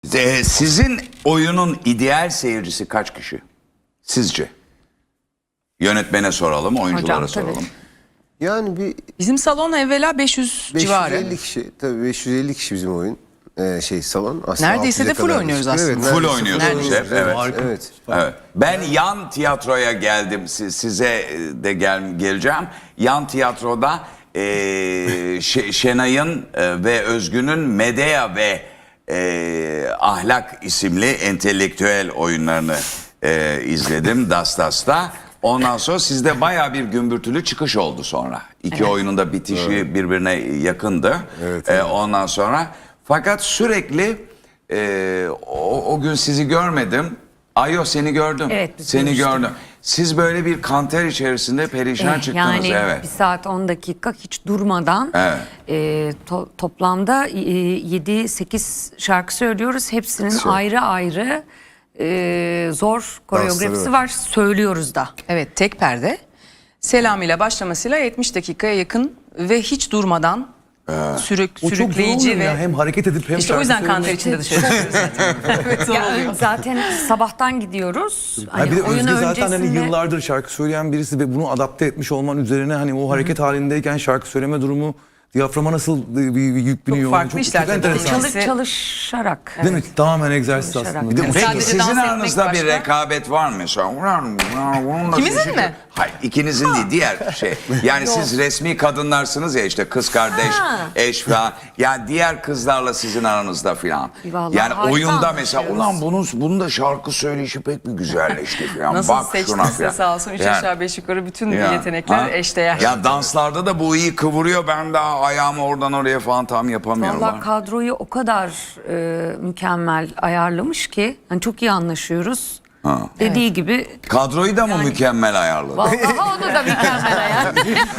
Sizin oyunun ideal seyircisi kaç kişi? Sizce? Yönetmene soralım, oyunculara Hocam, tabii. soralım. Yani bir Bizim salon evvela 500 civarı. 550 kişi, tabii 550 kişi bizim oyun salon. Aslında Neredeyse 600'e de full kadar oynuyoruz çıkıyor. aslında. Evet, Full neredeyse oynuyorsunuz oynuyoruz. hep, evet. Evet. Evet. Ben yan tiyatroya geldim. Size de geleceğim. Yan tiyatroda Şenay'ın ve Özgün'ün Medea ve Ahlak isimli entelektüel oyunlarını izledim Dastas'ta. Ondan sonra sizde bayağı bir gümbürtülü çıkış oldu sonra. İki oyunun da bitişi birbirine yakındı. Evet, evet. Ondan sonra fakat sürekli o gün sizi görmedim. Ayo seni gördüm. Evet, biz seni görüştük. gördüm. Siz böyle bir kanter içerisinde perişan çıktınız. Yani Evet. 1 saat 10 dakika hiç durmadan Evet. toplamda 7-8 şarkı söylüyoruz. Hepsinin ayrı ayrı zor koreografisi Dansları var. Söylüyoruz da. Evet, tek perde. Selam ile başlamasıyla 70 dakikaya yakın ve hiç durmadan O çok sürükleyici zor ve ya. Hem hareket edip hem işte o şarkı yüzden söylemek. kanter içinde dışarı çıkıyoruz zaten. Evet, zor oluyor. Zaten sabahtan gidiyoruz. Ha bir de oyun Özge zaten hani öncesinde- yıllardır şarkı söyleyen birisi ve bunu adapte etmiş olman üzerine hani o hareket halindeyken şarkı söyleme durumu diyaframa nasıl bir yük biniyor? farklı işler çok tabii. enteresan. çalışarak. Değil mi? Tamamen egzersiz Çalışarak. aslında. Bir de Sadece peki dans sizin etmek aranızda bir başka. rekabet var mı? İkimizin mi? Hayır, ikinizin değil, diğer şey. Yani siz resmi kadınlarsınız ya, işte kız kardeş, eş falan. Yani diğer kızlarla sizin aranızda falan. Vallahi Yani harika oyunda mesela anlaşıyoruz. bunun da şarkı söyleşi pek bir güzelleşti falan. Nasıl Bak şuna seçtiyse falan. sağ olsun 3 Yani- aşağı 5 yukarı bütün Ya, yetenekler ha? eşdeğer. Ya danslarda da bu iyi kıvırıyor. Ben daha ayağımı oradan oraya falan tam yapamıyorum. Vallahi kadroyu o kadar mükemmel ayarlamış ki hani çok iyi anlaşıyoruz. Dediği gibi Kadroyu da mı mükemmel ayarladı? vallahi onu da mükemmel ayar.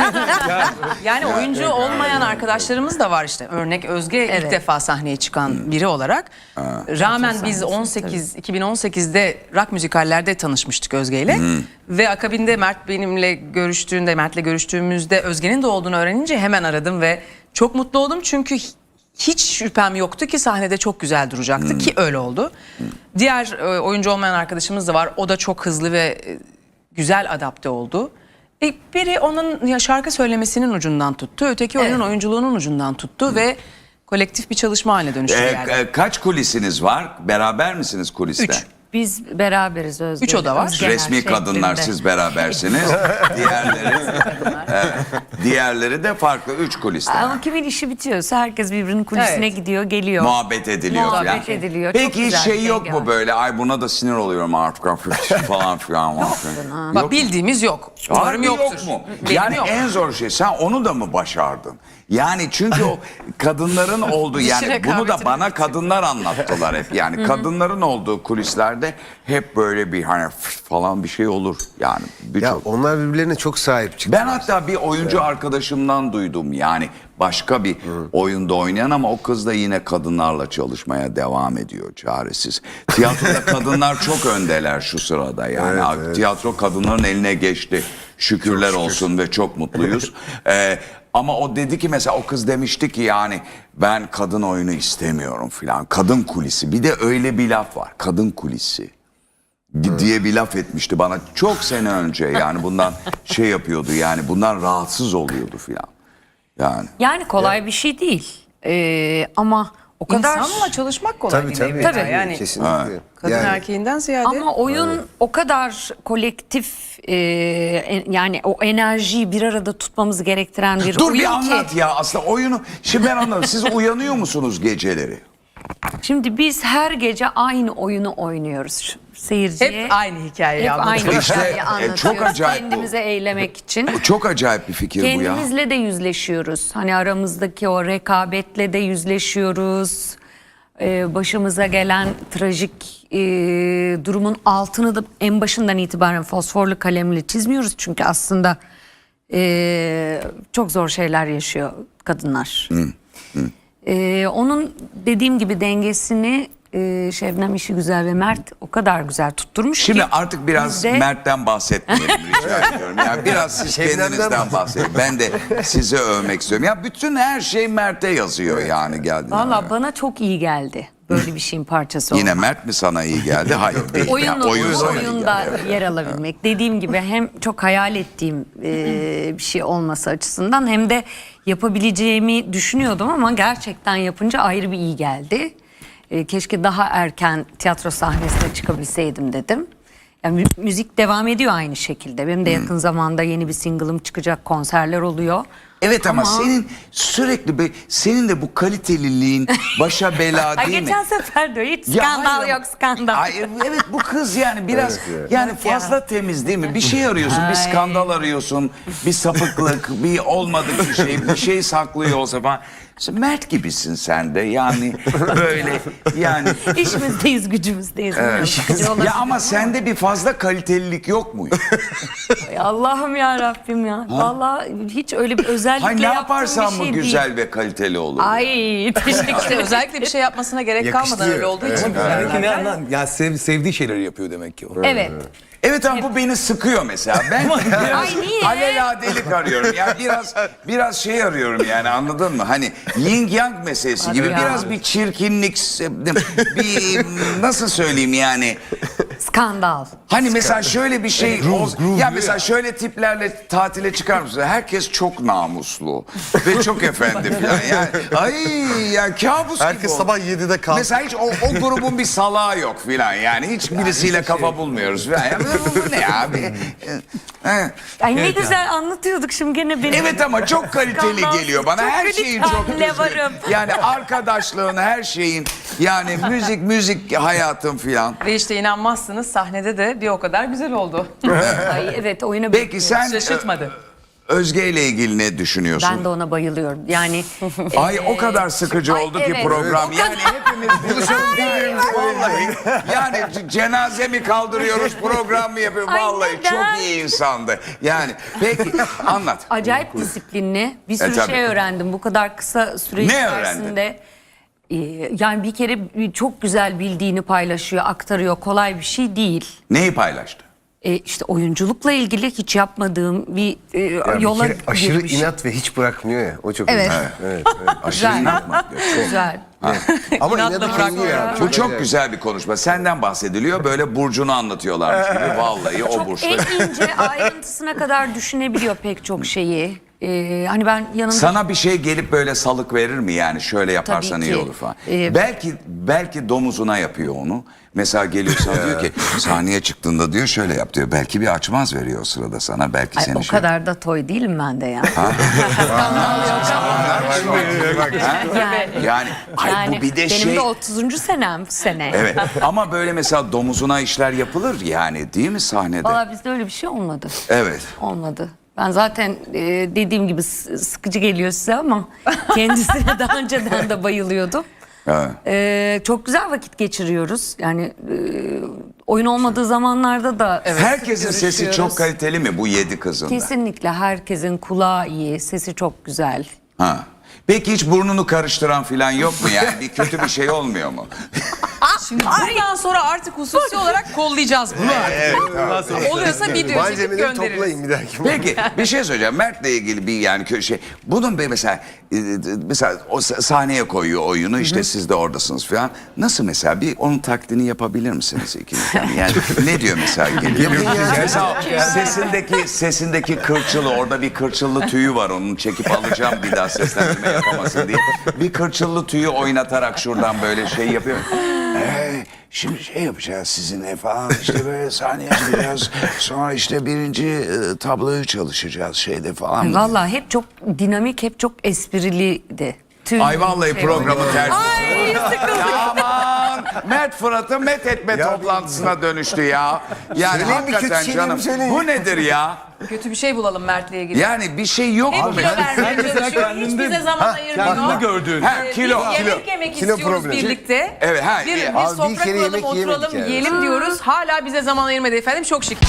Yani oyuncu olmayan arkadaşlarımız da var işte. Örnek Özge ilk Evet. defa sahneye çıkan biri olarak. Rağmen biz 2018'de rock müzikallerde tanışmıştık Özge ile. Ve akabinde Mert'le görüştüğümüzde Özge'nin de olduğunu öğrenince hemen aradım ve çok mutlu oldum. Çünkü hiç şüphem yoktu ki sahnede çok güzel duracaktı ki öyle oldu. Diğer oyuncu olmayan arkadaşımız da var. O da çok hızlı ve güzel adapte oldu. Biri onun şarkı söylemesinin ucundan tuttu. Öteki oyunun oyunculuğunun ucundan tuttu ve kolektif bir çalışma haline dönüştü yani. Kaç kulisiniz var? Beraber misiniz kuliste? 3. Biz beraberiz Özge. 3 oda var. Özgener Resmi kadınlar şeklinde. siz berabersiniz. Diğerleri de farklı 3 kuliste. Ama kimin işi bitiyorsa herkes birbirinin kulisine Evet. gidiyor, geliyor. Muhabbet ediliyor Muhabbet falan. ediliyor. Çok Peki hiç güzel şey yok denge mu var. böyle? Ay buna da sinir oluyorum artık falan filan. Bak bildiğimiz yok. Umarım Harbi yoktur. yok mu? Benim Yani yok. en zor şey, sen onu da mı başardın? Yani çünkü o kadınların olduğu, yani bunu da rekabetini bana kadınlar anlattılar hep. Yani kadınların olduğu kulislerde hep böyle bir hani falan bir şey olur. Yani Ya birçok. onlar birbirlerine çok sahip çıktı. Ben hatta bir oyuncu arkadaşımdan duydum, yani başka bir oyunda oynayan ama o kız da yine kadınlarla çalışmaya devam ediyor çaresiz. Tiyatroda kadınlar çok öndeler şu sırada, yani tiyatro kadınların eline geçti. Şükürler olsun ve çok mutluyuz. Ama o dedi ki mesela, o kız demişti ki yani ben kadın oyunu istemiyorum filan. Kadın kulisi, bir de öyle bir laf var, kadın kulisi diye bir laf etmişti bana çok sene önce, yani bundan şey yapıyordu, yani bundan rahatsız oluyordu filan. Yani kolay bir şey değil. Ama o kadar... İnsanla çalışmak kolay Tabii değil. tabii. evvela. Yani Kesinlikle. kadın Yani erkeğinden ziyade. Ama oyun o kadar kolektif, yani o enerjiyi bir arada tutmamız gerektiren bir dur oyun bir ki. anlat ya, aslında oyunu şimdi ben anladım. Siz uyanıyor musunuz geceleri? Şimdi biz her gece aynı oyunu oynuyoruz. Seyirciye Hep aynı hikayeyi hep anlatıyoruz. aynı İşte, hikayeyi anlatıyoruz. çok acayip bu. Kendimize eğlemek için. Çok acayip bir fikir bu ya. Kendimizle de yüzleşiyoruz. Hani aramızdaki o rekabetle de yüzleşiyoruz. Başımıza gelen trajik durumun altını da en başından itibaren fosforlu kalemle çizmiyoruz. Çünkü aslında çok zor şeyler yaşıyor kadınlar. Onun dediğim gibi dengesini Şebnem işi güzel ve Mert o kadar güzel tutturmuş Şimdi ki. artık biraz biz de- Mert'ten bahsetmeyelim rica ediyorum. Yani biraz siz Şebnem'den kendinizden bahsedin. Ben de sizi övmek istiyorum. Ya bütün her şey Mert'e yazıyor yani geldiğinde. Valla bana çok iyi geldi. Böyle bir şeyin parçası olmak. Yine Mert mi sana iyi geldi? Hayır değil. Yani oyun sana iyi oyunda geldi. yer alabilmek. Dediğim gibi hem çok hayal ettiğim bir şey olması açısından hem de yapabileceğimi düşünüyordum ama gerçekten yapınca ayrı bir iyi geldi. Keşke daha erken tiyatro sahnesine çıkabilseydim dedim. Yani müzik devam ediyor aynı şekilde. Benim de yakın zamanda yeni bir single'ım çıkacak, konserler oluyor. Evet ama senin sürekli senin de bu kaliteliliğin başa bela Ay, değil mi? geçen sefer de hiç Ya skandal hayır yok ama- skandal. Ay, evet bu kız yani biraz yani fazla temiz değil mi? Bir şey arıyorsun, bir skandal arıyorsun, bir sapıklık, bir olmadık bir şey saklıyor olsa falan. İşte Mert gibisin sen de yani böyle yani. İşimizdeyiz, gücümüzdeyiz. Sıkıcı olabilir. Ya ama sende bir fazla kalitelilik yok mu? Ay Allah'ım ya Rabbim ya. Vallahi hiç öyle bir özellikle Hay ne yaptığım yaparsan bir mı şey güzel değil. ve kaliteli olur? Ay teşekkür İşte ederim. özellikle bir şey yapmasına gerek kalmadan Yakıştırıyor. öyle olduğu için. Demek ki ne anlam? Ya sevdiği şeyleri yapıyor demek ki o. Evet. Evet ama bu beni sıkıyor mesela. Ben biraz Ay, niye? aleladelik arıyorum. Ya biraz şey arıyorum yani anladın mı? Hani yin yang meselesi gibi ya. biraz bir çirkinlik, bir nasıl söyleyeyim yani? Skandal. Hani mesela şöyle bir şey ya mesela şöyle tiplerle tatile çıkar mısın? Herkes çok namuslu ve çok efendi falan. Yani ay ya kabus gibi Herkes oldu. sabah 7'de kalktı. Mesela hiç o grubun bir salağı yok filan yani hiç birisiyle kafa bulmuyoruz filan. Yani bu ne abi? Ay ne güzel anlatıyorduk şimdi gene benim. Evet ama çok kaliteli Skandal. geliyor bana. Çok Her şeyin çok kaliteli düzgün. varım. Yani arkadaşlığın her şeyin yani müzik hayatım filan. Ve işte inanmazsınız sahnede de bir o kadar güzel oldu. Ay evet oyuna Peki sen Şaşırtmadı. Özge ile ilgili ne düşünüyorsun? ben de ona bayılıyorum. Yani Ay o kadar sıkıcı Ay, oldu ki evet. program. O Yani hepimiz vallahi yani cenaze mi kaldırıyoruz program mı yapıyoruz? Ay, Vallahi neden? çok iyi insandı. Yani peki anlat. acayip disiplinli. Bir sürü tabii. şey öğrendim bu kadar kısa süre Ne içerisinde. Yani bir kere çok güzel bildiğini paylaşıyor, aktarıyor. Kolay bir şey değil. Neyi paylaştı? İşte oyunculukla ilgili hiç yapmadığım bir Ya bir yola kere aşırı girmiş. inat ve hiç bırakmıyor ya. O çok Evet. güzel. Evet. Aşırı Güzel. inatma. Güzel. Ama İnatla inadı bırakmıyor. kendi ya. Bu çok güzel bir konuşma. Senden bahsediliyor. Böyle burcunu anlatıyorlarmış gibi. Vallahi o Çok burçta. en ince ayrıntısına kadar düşünebiliyor pek çok şeyi. Hani ben yanında Sana bir şey gelip böyle salık verir mi yani şöyle yaparsan Tabii iyi ki. olur falan. Belki domuzuna yapıyor onu. Mesela geliyor sana diyor ki sahneye çıktığında diyor şöyle yap diyor. Belki bir açmaz veriyor o sırada sana. Belki Ay, seni o kadar da toy değilim ben de ya. Yani ay bu bir de benim şey. de 30. senem bu sene. Evet ama böyle mesela domuzuna işler yapılır yani değil mi sahnede? Valla bizde öyle bir şey olmadı. Evet. Olmadı. Ben zaten dediğim gibi sıkıcı geliyor size ama kendisine daha önceden de bayılıyordum. Evet. Çok güzel vakit geçiriyoruz. Yani oyun olmadığı zamanlarda da Herkesin sesi görüşüyoruz. çok kaliteli mi bu 7 kızın da? Kesinlikle herkesin kulağı iyi, sesi çok güzel. Ha. Peki hiç burnunu karıştıran falan yok mu yani? Bir kötü bir şey olmuyor mu? Şimdi bundan sonra artık hususi olarak kollayacağız bunu. Oluyorsa video çekip Malzemeleri göndeririz. toplayın bir dahaki. Peki bir şey söyleyeceğim. Mert'le ilgili bir yani şey. Bunun bir mesela o sahneye koyuyor oyunu işte siz de oradasınız falan. Nasıl mesela bir onun taklidini yapabilir misiniz ikiniz? Yani ne diyor mesela geliyor? Mesela sesindeki kırçılı orada bir kırçıllı tüyü var onun çekip alacağım bir daha seslendirme yapamasın diye. Bir kırçıllı tüyü oynatarak şuradan böyle şey yapıyor. Şimdi şey yapacağız sizinle falan işte böyle sahneye çıkacağız. Sonra işte birinci tabloyu çalışacağız şeyde falan. Vallahi hep çok dinamik, hep çok espriliydi. Tüm Ay vallahi şey programı ters. Ay sıkıldım. Ya aman Mert Fırat'ı met etme toplantısına dönüştü ya. Yani Söyleyin bir hakikaten kötü şeyleri canım söyleyin. bu nedir ya? Kötü bir şey bulalım Mert'le ilgili. Yani bir şey yok Hep mu? kilo vermeye çalışıyor. Hiç bize zaman ayırmıyor. Kendini gördüğün. Ha, kilo. Biz yemek Kilo istiyoruz problemi. birlikte. Evet, ha, Bir Abi bir sofra kere kuralım, yemek oturalım, yemedik yani. yiyelim diyoruz. Hala bize zaman ayırmadı efendim. Çok şık.